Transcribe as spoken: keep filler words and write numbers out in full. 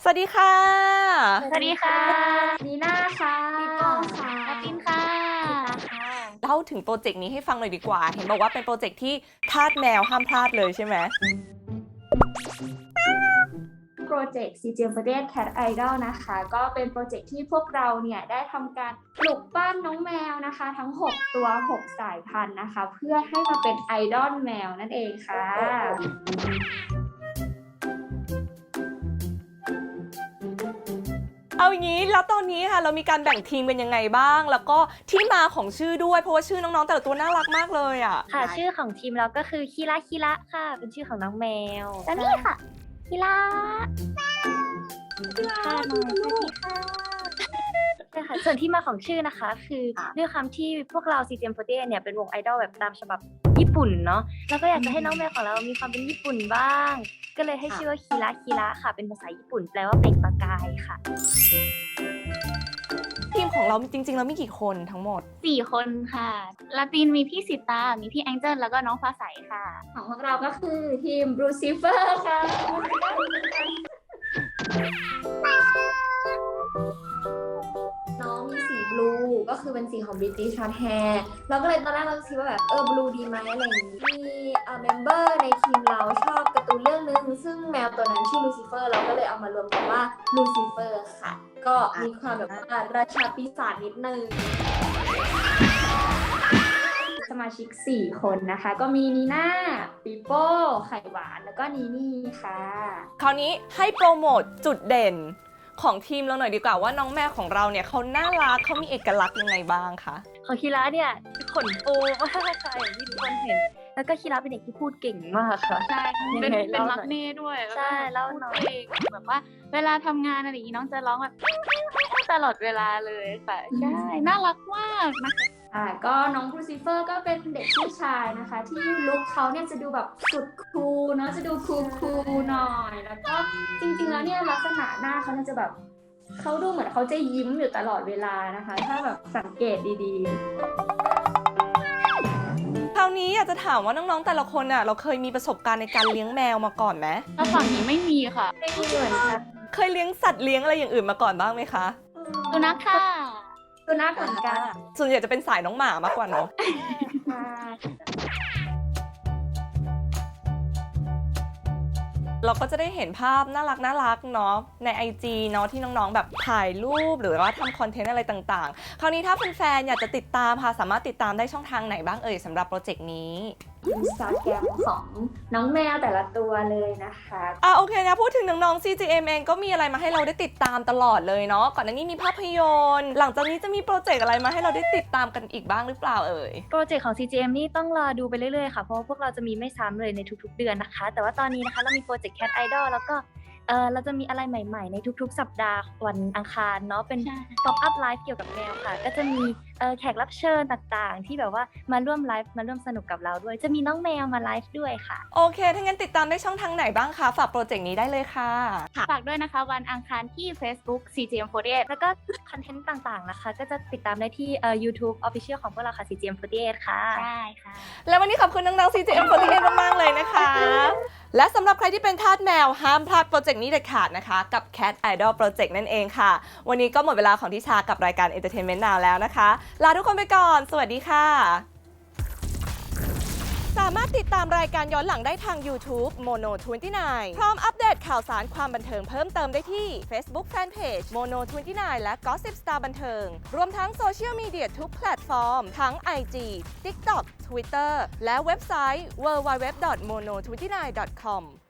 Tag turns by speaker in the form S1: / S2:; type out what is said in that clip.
S1: วัสดีค่ะ
S2: สวัสดีค่ะ
S3: นีน่าค่ะ
S2: ปีโป้ค่ะแอปปินค่ะ
S1: เล่าถึงโปรเจกต์นี้ให้ฟังหน่อยดีกว่าเห็นบอกว่าเป็นโปรเจกต์ที่ทาสแมวห้ามพลาดเลยใช่ไหม
S3: โปรเจกต์ ซี เจ ฟอร์ ที เอ Cat Idol นะคะก็เป็นโปรเจกต์ที่พวกเราเนี่ยได้ทำการปลูกปั้นน้องแมวนะคะทั้งหกตัวหกสายพันธุ์นะคะเพื่อให้มาเป็นไอดอลแมวนั่นเองค่ะ
S1: เอาอย่างนี้แล้วตอนนี้ค่ะเรามีการแบ่งทีมเป็นยังไงบ้าง แล้วก็ที่มาของชื่อด้วยเพราะว่าชื่อน้องๆแต่ละตัวน่ารักมากเลยอ่ะ
S2: ค่ะชื่อของทีมเราก็คือคิระคิระค่ะเป็นชื่อของน้องแมวแล้วนี่ค่ะคิระค่ะน้องสวัสดีค่ะใช่ค่ะส่วนที่มาของชื่อนะคะคือด้วยความที่พวกเรา ซี เจ เอ็ม ฟอร์ ที เอ เนี่ยเป็นวงไอดอลแบบตามฉบับญี่ปุ่นเนาะแล้วก็อยากจะให้น้องแมวของเรามีความเป็นญี่ปุ่นบ้างก็เลยให้ชื่อว่าคิระคิระค่ะเป็นภาษาญี่ปุ่นแปลว่าเปล่งประกายค่ะ
S1: ทีมของเราจริงๆแล้วมีกี่คนทั้งหมด
S2: สี่คนค่ะลาตินมีพี่สิตามีพี่แองเจิลแล้วก็น้องฟ้าใสค่ะ
S3: ของพวกเราก็คือทีม Blue Silver ค่ะน้องมีสีบลูก็คือเป็นสีของ British Short Hair เราก็เลยตอนแรกเราคิดว่าแบบเออบลูดีไหมอะไรอย่างนี้มีเอ่อเมมเบอร์ในทีมเราชอบการ์ตูนเรื่องนึงซึ่งแมวตัวนั้นชื่อลูซิเฟอร์เราก็เลยเอามารวมกันว่าลูซิเฟอร์ค่ะก็มีความแบบว่าราชาปีศาจนิดนึงสมาชิกสี่คนนะคะก็มีนีน่าปีโป้ไข่หวานแล้วก็นีนี่ค่ะ
S1: คราวนี้ให้โปรโมทจุดเด่นของทีมเราหน่อยดีกว่าว่าน้องแมวของเราเนี่ยเขาน่ารักเขามีเอกลักษณ์ยังไงบ้างคะ
S2: ของคิระเนี่ยขนฟูมากค่ะอย่างที่ทุกคนเห็นแล้วก็คิระเป็นเด็กที่พูดเก่งมากค่ะ
S4: ใช่เป็นเป็นมักเน่ด้วย
S2: ใช่แล้วน้อง
S4: เองแบบว่าเวลาทำงานอะไรอย่างนี้น้องจะร้องแบบตลอดเวลาเลยค่ะใช่น่ารักมากนะคะ
S3: อ่าก็น้องครูซิเฟอร์ก็เป็นเด็กผู้ชายนะคะที่ลุคเขาเนี่ยจะดูแบบสุดคูลเนาะจะดูคูลคูลหน่อยแล้วก็จริงๆแล้วเนี่ยลักษณะหน้าเขาจะแบบเขาดูเหมือนเขาจะยิ้มอยู่ตลอดเวลานะคะถ้าแบบสังเกตดี
S1: ๆคราวนี้อยากจะถามว่าน้องๆแต่ละคนอ่ะเราเคยมีประสบการณ์ในการเลี้ยงแมวมาก่อนไหม
S4: ถ้าฝั่งนี้ไม่มีค่ะ
S3: ไม่มีเหมือนกัน
S1: เคยเลี้ยงสัตว์เลี้ยงอะไรอย่างอื่นมาก่อนบ้างไหมคะ
S4: สุนัขค่ะ
S3: สุนัขเหมือนกัน
S1: ส่วนใหญ่จะเป็นสายน้องหมามากกว่าเนาะเราก็จะได้เห็นภาพน่ารักน่ารักเนาะใน ไอ จี เนาะที่น้องๆแบบถ่ายรูปหรือว่าทำคอนเทนต์อะไรต่างๆคราวนี้ถ้าแฟนๆอยากจะติดตามค่ะสามารถติดตามได้ช่องทางไหนบ้างเอ่ยสำหรับโปรเจกต์นี้
S3: อินสตาแกรมของน้องแมวแต่ละตัวเลยนะคะ
S1: อ่ะโอเคนะพูดถึงน้องๆ ซี จี เอ็ม เองก็มีอะไรมาให้เราได้ติดตามตลอดเลยเนาะก่อนหน้านี้มีภาพยนตร์หลังจากนี้จะมีโปรเจกต์อะไรมาให้เราได้ติดตามกันอีกบ้างหรือเปล่าเอ่ย
S2: โปรเจกต์ของ ซี จี เอ็ม นี่ต้องรอดูไปเรื่อยๆค่ะเพราะว่าพวกเราจะมีไม่ซ้ำเลยในทุกๆเดือนนะคะแต่ว่าตอนนี้นะคะเรามีโปรเจกต์ Cat Idol แล้วก็เออเราจะมีอะไรใหม่ๆในทุกๆสัปดาห์วันอังคารเนาะเป็น Pop Up Live เกี่ยวกับแมวค่ะก็จะมีเออแขกรับเชิญต่างๆที่แบบว่ามาร่วมไลฟ์มาร่วมสนุกกับเราด้วยจะมีน้องแมวมาไลฟ์ด้วยค่ะ
S1: โอเคถ้างั้นติดตามได้ช่องทางไหนบ้างคะฝากโปรเจกต์นี้ได้เลยค่ะ
S4: ฝากด้วยนะคะวันอังคารที่ Facebook ซี จี เอ็ม ฟอร์ ที เอ
S2: แล้วก็คอนเทนต์ต่างๆนะคะก็จะติดตามได้ที่เอ่อ YouTube Official ของพวกเราค่ะ ซี จี เอ็ม ฟอร์ ที เอ ค่ะ
S4: ใช่ค่ะ
S1: แล้ววันนี้ขอบคุณน้องๆ ซี จี เอ็ม ฟอร์ ที เอ มากๆเลยนะคะและสำหรับใครที่เป็นทาสแมวห้ามพลาดโปรเจกต์นี้เด็ดขาดนะคะกับ Cat Idol Project นั่นเองค่ะวันนี้ก็หมดเวลาของทิชากับรายการ Entertainment Now แล้วนะคะลาทุกคนไปก่อนสวัสดีค่ะสามารถติดตามรายการย้อนหลังได้ทาง YouTube Mono ยี่สิบเก้า พร้อมอัปเดตข่าวสารความบันเทิงเพิ่มเติมได้ที่ Facebook Fanpage Mono ยี่สิบเก้า และ Gossip Star บันเทิงรวมทั้งโซเชียลมีเดียทุกแพลตฟอร์มทั้ง ไอ จี TikTok Twitter และเว็บไซต์ ดับเบิลยู ดับเบิลยู ดับเบิลยู ดอท โมโน ยี่สิบเก้า ดอท คอม